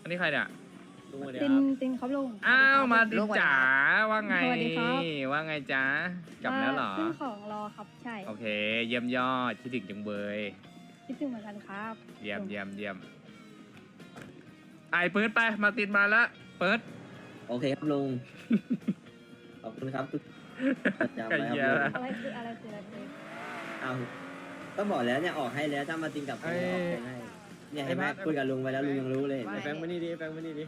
อันนี้ใครเนี่ยลุงสวัสดีติคน รับตินครับลุงอ้าวมาดิจ๋าว่าไงสวัสดีครับว่าไงจ๊ะกลับแล้วเหรอขึ้นของรอครับใช่โอเค เยี่ยมยอดคิดถึงจังเบยคิดถึงเหมือนกันครับเยี่ยมเยี่ยมเยี่ยมไอ้เปิดไปมาติดมาแล้วเปิดโอเคครับลุง ขอบคุณครับทุกจำไก่ไว้คเหี้ยรับลุงอะไรคืออะไรคืออะไรคือเอาก็บอกแล้วเนี่ยออกให้แล้วถ้ามาติงกับผมออกให้เนี่ยให้แม่คุยกับลุงไปแล้วลุงยังรู้เลยแฟงมานี่ดิแฟงมานี่ดิ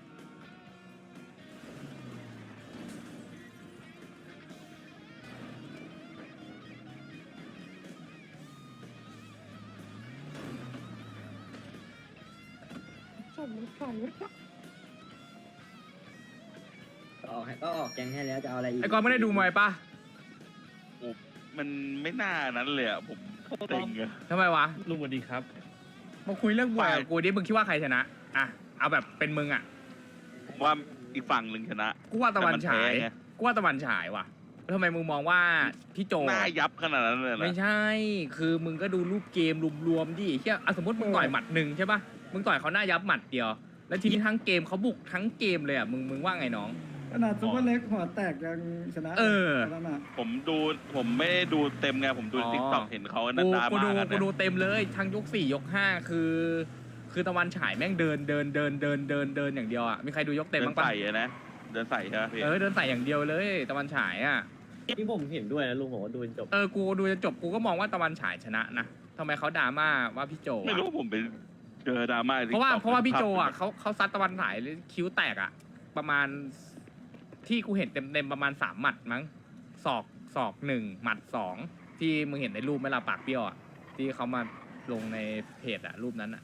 ก็ออกให้ก็ออกแกงให้แล้วจะเอาอะไรอีกไอ้กอนไม่ได้ดูมวยปะมันไม่น่านั้นเลยอ่ะผมเต็งอะทำไมวะลุงสวัสดีครับมาคุยเรื่องมวยกับกูดิมึงคิดว่าใครชนะอ่ะเอาแบบเป็นมึงอ่ะว่าอีกฝั่งหนึ่งชนะกูว่าตะวันฉายแต่มันแพ้ไงกูว่าตะวันฉายว่ะแล้วทำไมมึงมองว่าพี่โจหน้ายับขนาดนั้นเลยนะไม่ใช่ คือมึงก็ดูรูปเกมรวมๆดิเฮียสมมติมึงต่อยหมัดหนึ่งใช่ปะมึงต่อยเขาหน้ายับหมัดเดียว แล้วทีนี้ทั้งเกมเขาบุกทั้งเกมเลยอ่ะ มึงว่าไงน้องขนาดซุปเปอร์เล็กหัวแตกยังชนะเออนั่นน่ะผมไม่ได้ดูเต็มไงผมดูอ๋อติ๊กต็อกเห็นเขานักูนดากูมาดูกันกูนะดูเต็มเลยทั้งยก4ยก5คือตะวันฉายแม่งเดินอย่างเดียวอ่ะ มีใครดูยกเต็มเดิบ้าน งปะใส่อะนะเดินใส่ใช่ไหมพี่เดินใส่อย่างเดียวเลยตะวันฉายอ่ะที่ผมเห็นด้วยนะลุงผมว่าดูจนจบกูดูจนจบกูก็มองว่าตะวันฉายชนะนะทำไมเขาดราม่าว่าพี่โจไม่อะรู้ผมไปเจอดราม่าในเพราะว่า TikTok เพราะว่าพี่โจอ่ะเขาซัดตะวันฉายคิ้วแตกอ่ะ ประมาณที่กูเห็นเต็มประมาณ3 หมัดมั้งศอก1หมัด2ที่มึงเห็นในรูปไหม่ละปากเปรี้ยวอ่ะที่เขามาลงในเพจอ่ะรูปนั้นอ่ะ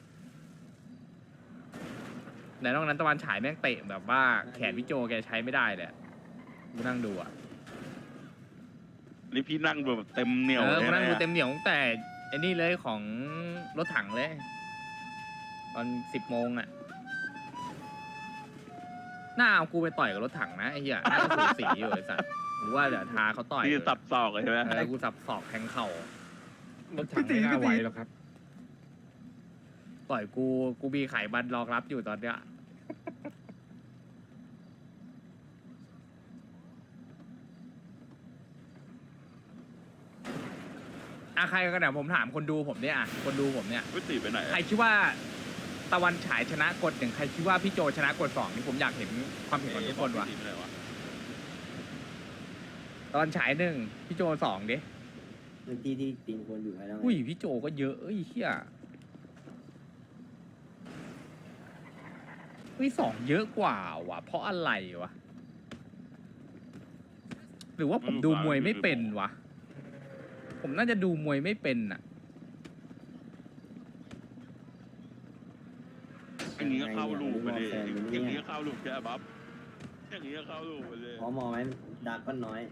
แต่นอกนั้นตะวันฉายแม่งเตะแบบว่าแขนพี่โจแกใช้ไม่ได้เลยอะกูนั่งดูอ่ะนี่พี่นั่งดูแบบเต็มเหนียวกูเลยนั่งดูนะเต็มเหนียวตั้งแต่ไอ้นี่เลยของรถถังเลยตอน10 โมงอ่ะหน้าเอากูไปต่อยกับรถถังนะไอ้เหี้ยน่าจะสูสีอยู่ไอ้สัสหรือว่าเดี๋ยวทาเขาต่อยพี่สับศอกเลยใช่ไหมกูสับศอกแทงเข่ารถถังไม่น่าไหวหรอกครับต่อยกูมีไขบันรองรับอยู่ตอนเนี้ยใครกันเนี่ยผมถามคนดูผมเนี่ยคนดูผมเนี่ยวิตีไปไหนใครคิดว่าตะวันฉายชนะกด1ใครคิดว่าพี่โจชนะกด2นี่ผมอยากเห็นความเห็นของทุกคนว่ะวิตีไปไหนวะตอนฉาย1พี่โจ2ดิพื้นที่ที่ติงควรอยู่ให้แล้วไงอุ้ยพี่โจก็เยอะเอ้ยเฮียอุ้ย2เยอะกว่าว่ะเพราะอะไรวะหรือว่าผมดูมวยไม่เป็นวะผมน่าจะดูมวยไม่เป็นอ่ะอย่างนี้ก็เข้าลูกไปเลยอย่างนี้ก็เข้าลูกใช่ไหมบ๊อบอย่างนี้ก็เข้าลูกไปเลยพอมองไหมดาร์กก็น้อย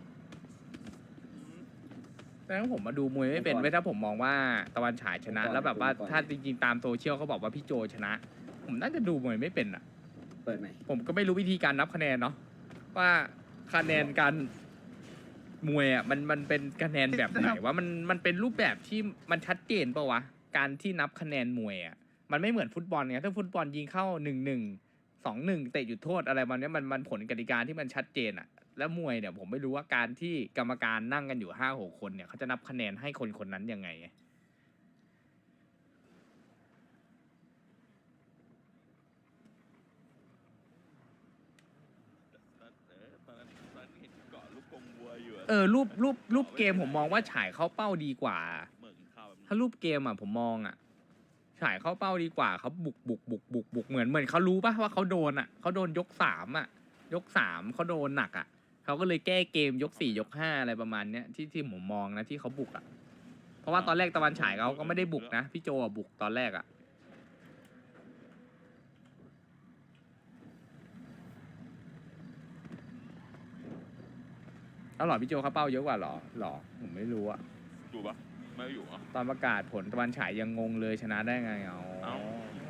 แต่ถ้าผมมาดูมวยไม่เป็นไม่ถ้าผมมองว่าตะวันฉายชนะ แล้วแบบว่าถ้าจริงๆตามโซเชียลเขาบอกว่าพี่โจชนะ ผมน่าจะดูมวยไม่เป็นอ่ะเปิดใหม่ผมก็ไม่รู้วิธีการนับคะแนนเนาะว่าคะแนนการมวยอ่ะมันเป็นคะแนนแบบไหนว่ามันเป็นรูปแบบที่มันชัดเจนปะวะการที่นับคะแนนมวยอ่ะมันไม่เหมือนฟุตบอลไงถ้าฟุตบอลยิงเข้า1-1 2-1เตะหยุดโทษอะไรมันเนี้ยมันผลกติกาที่มันชัดเจนอ่ะแล้วมวยเนี่ยผมไม่รู้ว่าการที่กรรมการนั่งกันอยู่5-6 คนเนี่ยเขาจะนับคะแนนให้คนคนนั้นยังไงตอนนั้นเห็นเกาะลูกกงวัวอยู่อะรูปเกมผมมองว่าฉายเข้าเป้าดีกว่าเหมือนข้าวแบบถ้ารูปเกมอ่ะผมมองอ่ะฉายเข้าเป้าดีกว่าเขาบุกเหมือนเขารู้ป่ะว่าเขาโดนอ่ะเขาโดนยก3อ่ะยก3เขาโดนหนักอ่ะเขาก็เลยแก้เกมยก4ยก5อะไรประมาณเนี้ยที่ผมมองนะที่เขาบุกอ่ะเพราะว่าตอนแรกตะวันฉายเขาก็ไม่ได้บุกนะพี่โจอ่ะบุกตอนแรกอ่ะเอาหรอพี่โจเขาเป้าเยอะกว่าหรอผมไม่รู้อ่ะอยู่ปะไม่อยู่อ่ะตอนประกาศผลตะวันฉายยังงงเลยชนะได้ไงเอาเอ้า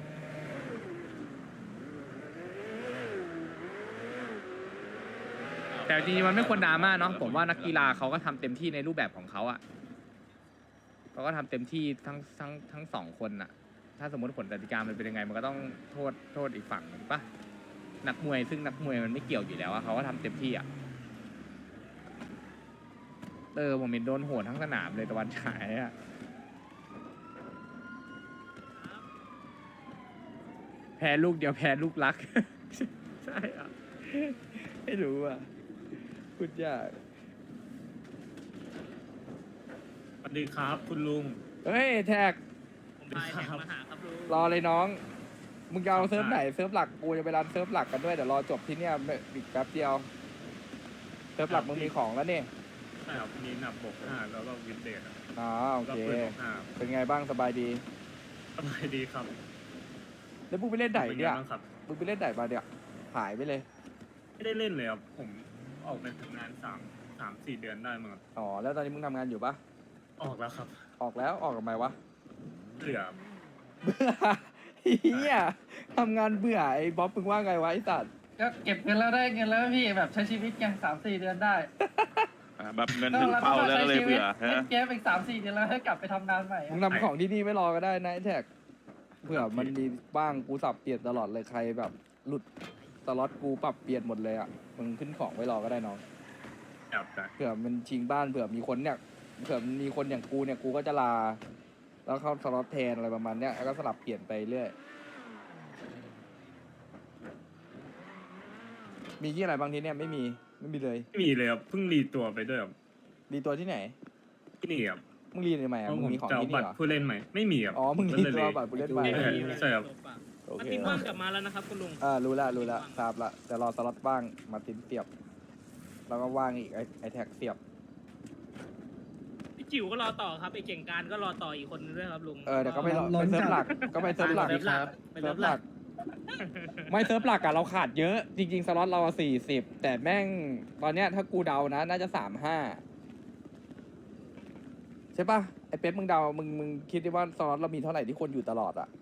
แต่จริงๆมันไม่ควรดราม่าเนาะผมว่านักกีฬาเขาก็ทำเต็มที่ในรูปแบบของเขาอะเขาก็ทำเต็มที่ทั้ง2 คนอะทถ้าสมมติผลกติกามันเป็นยังไงมันก็ต้องโทษอีกฝั่งหนึ่งปะนักมวยซึ่งนักมวยมันไม่เกี่ยวอยู่แล้วอะเขาก็ทำเต็มที่อะผมเห็นโดนโหดทั้งสนามเลยตะวันฉายอะแพ้ลูกเดียวแพ้ลูกรัก ใช่อะไม่รู้อะพูดยากสวัสดีครับคุณลุงเฮ้ยแท็กผมไปแท็กมาหาครับลุงรอเลยน้อง มึงจะเอาเซิร์ฟไหนเซิร์ฟหลักกูจะไปรันเซิร์ฟหลักกันด้วยเดี๋ยวรอจบที่เนี่ยอีกแป๊บเดียวเซิร์ฟหลักมึงมีของแล้วนี่ใช่ครับมีหนับบก5แล้วก็วินเดตอ๋อโอก็เคปืนบกเป็นไงบ้างสบายดี 5สบายดีครับแล้วมึงไปเล่นไหนเป็นไงเนี่ยบ้างครับมึงไปเล่นไหนมาเนี่ยหายไปเลยไม่ได้เล่นเลยครับผมออกไปทำงาน3-4 เดือนได้มั้งครับอ๋อแล้วตอนนี้มึงทำงานอยู่ปะออกแล้วครับออกแล้วออกทำไมวะเหลือเบื่อเฮียทำงานเบื่อไอ้บ๊อบมึงว่าไงวะไอ้สัตว์ก็เก็บเงินแล้วได้เงินแล้วพี่แบบใช้ชีวิตยัง3-4 เดือนได้แบบเงินถึงเป้าแล้วก็เลยเบื่อเล่นเกมอีก3-4 เดือนแล้วให้กลับไปทำงานใหม่มึงทำของที่นี่ไม่รอก็ได้นะไอ้แท็กเผื่อมันมีบ้างกูสับเปลี่ยนตลอดเลยใครแบบหลุดสล็อตกูปรับเปลี่ยนหมดเลยอ่ะมึงขึ้นของไว้รอก็ได้น้องแอบแต่เผื่อมันชิงบ้านเผื่อมีคนเนี่ยเผื่อมีคนอย่างกูเนี่ยกูก็จะลา แล้วเข้าสล็อตแทนอะไรประมาณเนี้ยแล้วก็สลับเปลี่ยนไปเรื่อยมีที่อะไรบางทีเนี่ยไม่มีเลยไม่มีเลยครับเพิ่งรีตัวไปด้วยครับรีตัวที่ไหนที่นี่ครับมึงรีทำไมเพอ่ะราะมึผงมมีของจะเอาที่บันี่ตรเหรอผู้เล่นใหม่ไม่มีครับอ๋อมึงรีก็เลยตัวบัตรผู้เล่นใหม่ใช่ครับโอมาเคตินว่างกลับมาแล้วนะครับคุณลุงรู้ละทราบละแต่รอสล็อตบ้างมาตินเสียบแล้วก็ว่างอีกไอแท็กเสียบพี่จิ๋วก็รอต่อครับไอเก่งการก็รอต่ออีกคนนึงด้วยครับลุงเดี๋ยวก็ไปไปเซิร์ฟหลักก็ไปเซิร์ฟหลักเซิร์ฟหลักไปเซิร์ฟหลักไม่เซิร์ฟหลักอะเราขาดเยอะ จริงๆสล็อตเรา40แต่แม่งตอนเนี้ยถ้ากูเดานะน่าจะ35ใช่ปะไอเป๊ปมึงเดามึงคิดดิว่าสล็อตเรามีเท่าไหร่ที่คนอยู่ตลอดอะ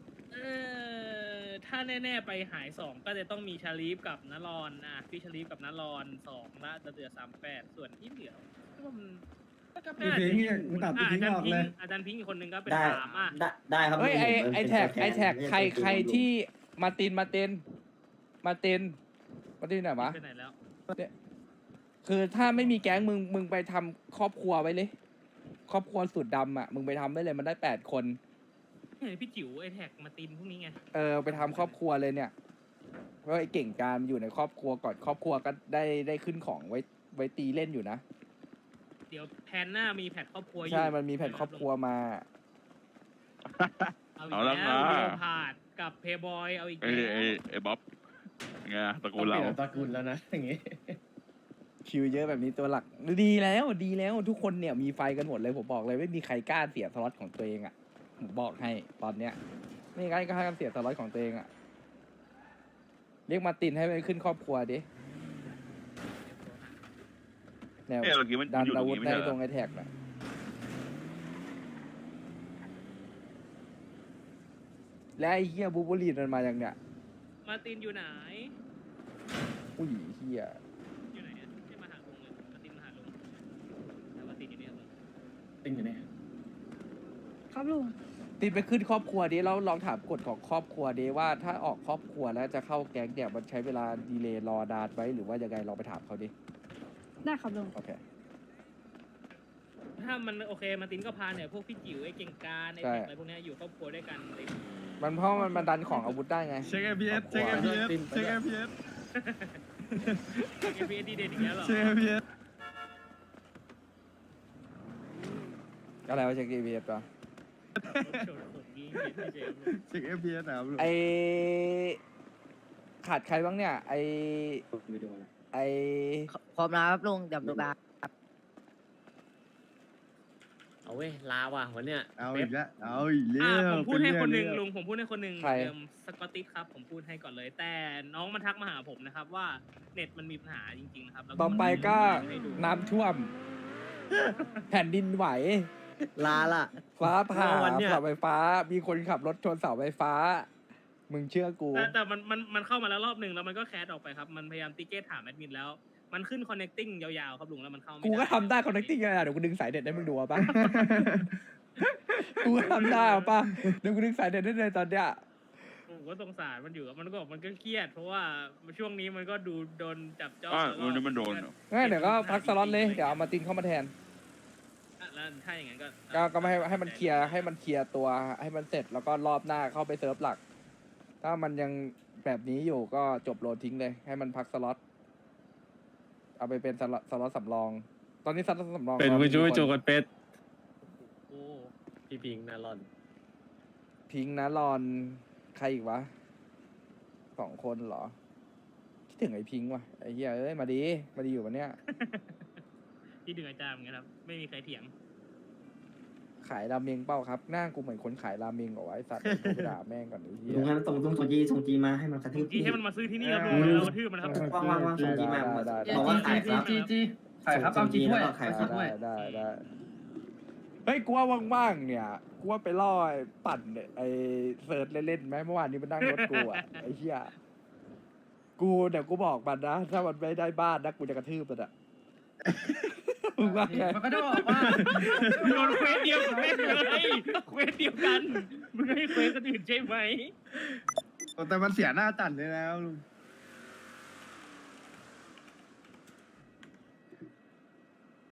ถ้าแน่ๆไปหาย2ก็จะต้องมีชาลีฟกับนารอนพี่ชาลีฟกับนารอน2ละจะเหลือ38ส่วนที่เหลือก็มันพี่พิงค์เนี่ยมึงตัดพี่พิงค์ออกเลยอาจารย์พิงค์อีกคนนึงก็เป็นได้ 3 ได้ครับเฮ้ยลุงผมไอเป็นแท็กตัวไอแท็กทนใครไม่ใช่ใครตัวลุงที่มาตินไหนวะไปไหนแล้วคือถ้าไม่มีแก๊งมึงไปทำครอบครัวไว้เลย ครอบครัวสุดดำอ่ะมึงไปทำไว้เลยมันได้8 คนเฮ้ยพี่จิ๋วไอแท็กมาตินพวกนี้ไงไปทำครอบครัวเลยเนี่ยเพราะไอ้เก่งการมันอยู่ในครอบครัวก่อนครอบครัวก็ได้ขึ้นของไว้ตีเล่นอยู่นะเดี๋ยวแพนหน้ามีแพทครอบครัวอยู่ใช่มันมีแผ่นครอบครัวมาเอาอีกแล้วเดียวพาดกับเพย์บอยเอาอีกไอ้แล้วไอ้บ๊อบไงตระกูลเราตระกูลแล้วนะอย่างงี้คิวเยอะแบบนี้ตัวหลักดีแล้วทุกคนเนี่ยมีไฟกันหมดเลยผมบอกเลยไม่มีใครกล้าเสียสล็อตของตัวเองอ่ะผมบอกให้ตอนเนี้ยไม่มีใครกล้าเสียสล็อตของตัวเองอ่ะเรียกมาตินให้ไปขึ้นครอบครัวดิแนวเมื่อกี้มันดันอยู่ตรอาง วุธนี้ไม่ได้ใช่เหตรรองไอแท็กน่ะและไอ้เฮียบูบูลีนมันมาอย่างเนี้ยมาตินอยู่ไหนอุ้ยเฮียอยู่ไหนอะให้มาหาลุงเลยมาตินมาหาลุงแต่ว่าตินอยู่เนี่ยลุงติงอยู่เนี่ยครับลุงตินไปขึ้นครอบครัวดิแล้วลองถามกฎของครอบครัวดิว่าถ้าออกครอบครัวแล้วจะเข้าแก๊งเนี่ยมันใช้เวลาดีเลย์รอนานไว้หรือว่ายังไงลองไปถามเขาดิได้ครับลุงโอเคถ้ามันโอเคมาตินก็พาเนี่ยพวกพี่จิ๋วไอ้เก่งการไอ้ใช่แท็กอะไรพวกเนี้ยอยู่ครอบครัวด้วยกันเลยมันเพราะมันดันของอาวุธได้ไงเช็ค APS เช็ค APS เช็ค APS เอพีเอดีเด่นอีกแล้วเหรอเช็ค APS อะไรวะเช็ค GPS ป่ะโฉดผมยิงเห็นไม่เจ๋งเลยเช็ค APS นะครับลุงไอขาดใครบ้างเนี่ย ไอพร้อมแล้วครับลุงเดี๋ยวดูบาเอาเว้ยลาว่ะวันเนี้ยเอาอีกแล้วเอาอีกแล้วผมพูดให้คนหนึ่งเป็ลุเรื่องผมพูดให้คนหนึ่งใครสกอตติสครับผมพูดให้ก่อนเลย แต่น้องมันทักมาหาผมนะครับว่าเน็ตมันมีปัญหาจริงๆนะครับแล้วต่อไปก็ให้ดูน้ำท่วม แผ่นดินไหวลาละฟ้าผ่าวันเนี่ยเสาไฟฟ้า มีคนขับรถชนเสาไฟฟ้า มึงเชื่อกูแต่มันเข้ามาแล้วรอบหนึ่งแล้วมันก็แคสออกไปครับมันพยายามติเกตถามแอดมินแล้วมันขึ้น connecting ยาวๆครับลุงแล้วมันเข้าไม่กูก็ได้ทำได้ connecting ยังไงเดี๋ยวกูดึงสายเด็ดให้มึงดูเอาปะกูทำได้ป่ะเดี๋ยวกูนึกสายเด็ดได้เลยตอนเนี้ยผมก็สงสารมันอยู่อะมันก็เครียด เพราะว่าช่วงนี้มันก็ดูโดนจับจ้องอ่าแล้ววันนี้มันโดนเหรองั้นเดี๋ยวก็พักสล็อตเลยเดี๋ยวเอามาตินเข้ามาแทนแล้วถ้าอย่างนั้นก็ก็ไม่ให้มันเคลียร์ตัวให้มันเสร็จแล้วก็รอบหน้าเข้าไปเซิร์ฟหลัก ถ้ามันยังแบบนี้อยู่ก็จบโหลดทิ้งเลย ให้มันพักสล็อตเอาไปเป็นสล็อตสำรอง ตอนนี้สล็อตสำรองเป็นผู้ช่วยโจกันเป็ดโอ้พี่พิงค์นารอนพิงค์นะรอนใครอีกวะ2 คนเหรอคิดถึงไอ้พิงค์ว่ะไอ้เหี้ยเอ้ยมาดีอยู่วันเนี้ยที่ดึงอาจารย์เหมือนกันครับ ไม่มีใครเถียงขายราเมงเป้าครับหน้ากูเหมือนคนขายราเมงเหรอวะไอ้สัตว์โทรไปด่าแม่งก่อนไอ้เหี้ยลุงให้มันส่งจีมาให้มันกระทืบที่ให้มันมาซื้อที่นี่ครับลุงเรากระทืบมันครับว่างส่งจีมาได้บอกว่าขายครับจีขายครับเอาจีถ้วยขายคจีรับถ้วยได้เฮ้ยกูว่าว่างๆเนี่ยกูว่าไปล่อไอ้ปั่นเนี่ยไอ้เซิร์ชเล่นๆไหมเมื่อวานนี้มันนั่งรถกูอ่ะ ไอ้เหี้ยเดี๋ยวกูบอกมันนะถ้ามันไม่ได้บ้านนะกูจะกระทืบมันอ่ะมึงว่าไงมันก็จะบอกว่าโดนเควสเดียวกันเลยเควสเดียวกันมึงให้เควสคนอื่นใช่ไหมแต่มันเสียหน้าจัดเลยนะลุง